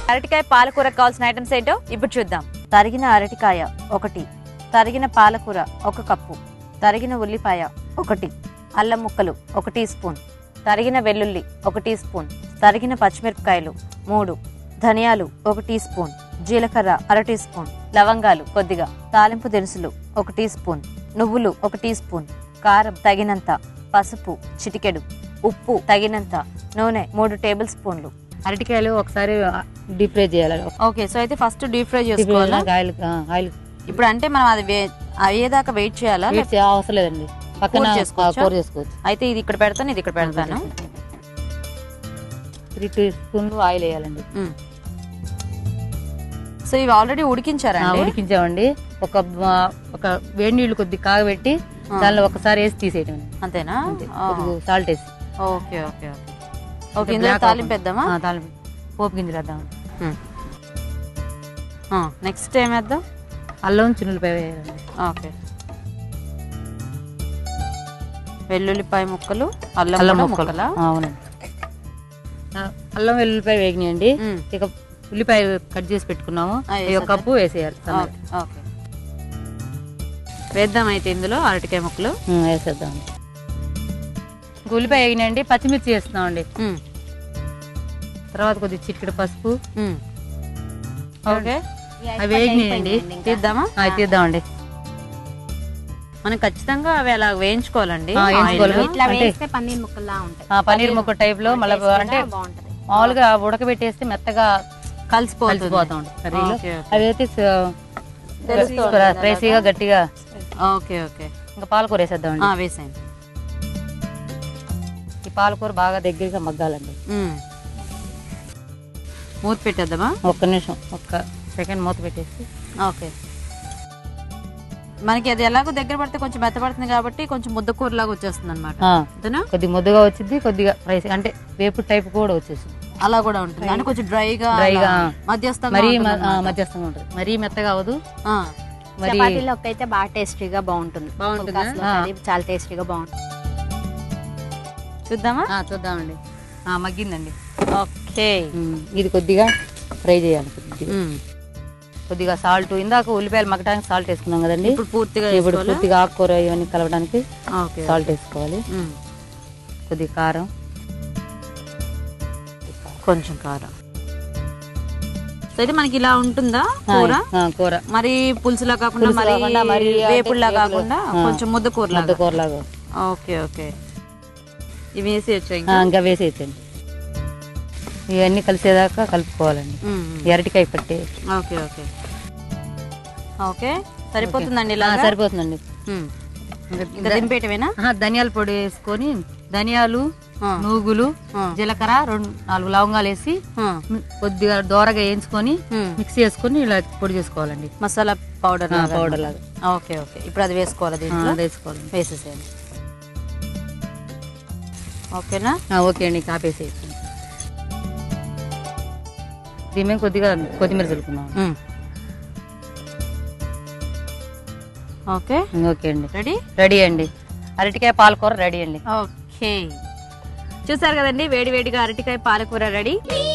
అరటికాయ పాలకూరకు కావాల్సిన ఐటమ్స్ ఏంటో ఇప్పుడు చూద్దాం. తరిగిన అరటికాయ 1, తరిగిన పాలకూర 1 కప్పు, తరిగిన ఉల్లిపాయ 1, అల్లం ముక్కలు 1 టీ స్పూన్, తరిగిన వెల్లుల్లి 1 టీ స్పూన్, తరిగిన పచ్చిమిరపకాయలు 3, ధనియాలు 1 టీ స్పూన్, జీలకర్ర 1/2 టీ స్పూన్, లవంగాలు కొద్దిగా, తాలింపు దినుసులు 1 టీ స్పూన్, నువ్వులు 1 టీ స్పూన్, కారం తగినంత, పసుపు చిటికెడు, ఉప్పు తగినంత, నూనె 3 టేబుల్ స్పూన్లు. అరటికాయలు ఒకసారి డీప్ ఫ్రై చేయాలి. ఓకే, సో అయితే ఫస్ట్ డీప్ ఫ్రై చేసుకోవాలా? ఆయిల్ ఇప్పుడు అంటే మనం అది అయ్యేదాకా వెయిట్ చేయాలా? అవసరం లేదండి, పక్కన కూర చేసుకోవచ్చు. అయితే ఇది ఇక్కడ పెడతాను, ఇది ఇక్కడ పెడతాను. 3 టీ స్పూన్లు ఆయిల్ వేయాలండి. సో ఇవి ఆల్రెడీ ఉడికించారా? ఉడికించామండి. ఒక వేడి నీళ్లు కొద్ది కాగబెట్టి దానిలో ఒకసారి వేసి తీసేయటం. అంతేనా? సాల్ట్ వేసి. Okay okay okay okay. ఇందులో తాలింపు వేద్దామా? తాలింపు పోపు గింజలు వేద్దాం. నెక్స్ట్ ఏం వేద్దాం? అల్లం చిన్నులపాయ వేయాలండి. ఓకే, వెల్లుల్లిపాయ ముక్కలు, అల్లం ముక్కలు. అవునండి, అల్లం వెల్లుల్లిపాయ వేగినాయండి. ఇక ఉల్లిపాయ కట్ చేసి పెట్టుకున్నాము, 1 కప్పు వేసేయాలి. ఓకే, వేద్దాం. అయితే ఇందులో అరటికాయ ముక్కలు వేసేద్దాం. ఉల్లిపాయ వేగినాయండి, పచ్చిమిర్చి వేస్తున్నామండి. తర్వాత కొద్దిగా చిటికెడు పసుపు. ఓకే, అవి వేగినాయండి. తీద్దామా? తీద్దామండి. మనం ఖచ్చితంగా అవి అలా వేయించుకోవాలండి. పన్నీర్ ముక్క టైప్ లో మళ్ళీ అంటే మామూలుగా ఉడకబెట్టేస్తే మెత్తగా కలిసిపోతా ఉంటుంది కర్రీలో. అవి అయితే స్పైసీగా గట్టిగా. ఓకే ఓకే, ఇంకా పాలకూర వేసేద్దామండి. వేసేయండి. ఈ పాలకూర బాగా దగ్గరగా మగ్గాలండి. మూత పెట్టేద్దామా? 1 నిమిషం, 1 సెకండ్ మూత పెట్టేసి. ఓకే, మనకి అది ఎలాగో దగ్గర పడితే కొంచెం మెత్తపడుతుంది కాబట్టి కొంచెం ముద్ద కూరలాగా వచ్చేస్తుంది అనమాట. కొద్దిగా ముద్దగా వచ్చింది, కొద్దిగా ఫ్రైస్ అంటే వేపుడు టైప్ కూడా వచ్చేసింది. అలా కూడా ఉంటుంది అంటే కొంచెం డ్రైగా మధ్యస్థంగా, మధ్యస్థంగా ఉంటుంది. మరీ మెత్తగా అవ్వదు. చపాతీలోకి అయితే బాగా టేస్టీగా బాగుంటుంది. చాలా టేస్టీగా బాగుంటుంది. చూద్దామా? చూద్దామండి. మగ్గిందండి. ఓకే, ఇది కొద్దిగా ఫ్రై చేయాలి. కొద్దిగా సాల్ట్, ఇందాక ఉల్లిపాయలు మగ్గడానికి సాల్ట్ వేసుకున్నాం కదండి. ఇప్పుడు పూర్తిగా ఆకుకూర ఇవన్నీ కలవడానికి సాల్ట్ వేసుకోవాలి. కొద్దిగా కారం, కొంచెం కారం. అయితే మనకి ఇలా ఉంటుందా కూర? మరి పులుసులా కాకుండా, మరి వేపుడులా కాకుండా కొంచెం ముద్ద కూరలాగా. ఓకే ఓకే, ఇవి వేసేయచ్చు? ఇంకా వేసేయచ్చండి. ఇవన్నీ కలిసేదాకా కలుపుకోవాలండి. అరటికాయ పట్టి. ఓకే ఓకే ఓకే, సరిపోతుందండి. ఇలా సరిపోతుందండి. ఇంకా దింపేయటమేనా? ధనియాల పొడి వేసుకొని, ధనియాలు, నూగులు, జీలకర్ర, 2-4 లవంగాలు వేసి కొద్దిగా దోరగా వేయించుకొని మిక్సీ వేసుకొని ఇలా పొడి చేసుకోవాలండి. మసాలా పౌడర్ లాగా. ఓకే ఓకే, ఇప్పుడు అది వేసుకోవాలి. వేసుకోవాలి. వేసేసేయండి. ఓకేనా? ఓకే అండి, కాపేసేసి దీని మీద కొద్దిగా కొత్తిమీర చల్లుకున్నాం. ఓకే ఓకే అండి, రెడీ అండి. అరటికాయ పాలకూర రెడీ అండి. ఓకే, చూసారు కదండి, వేడి వేడిగా అరటికాయ పాలకూర రెడీ.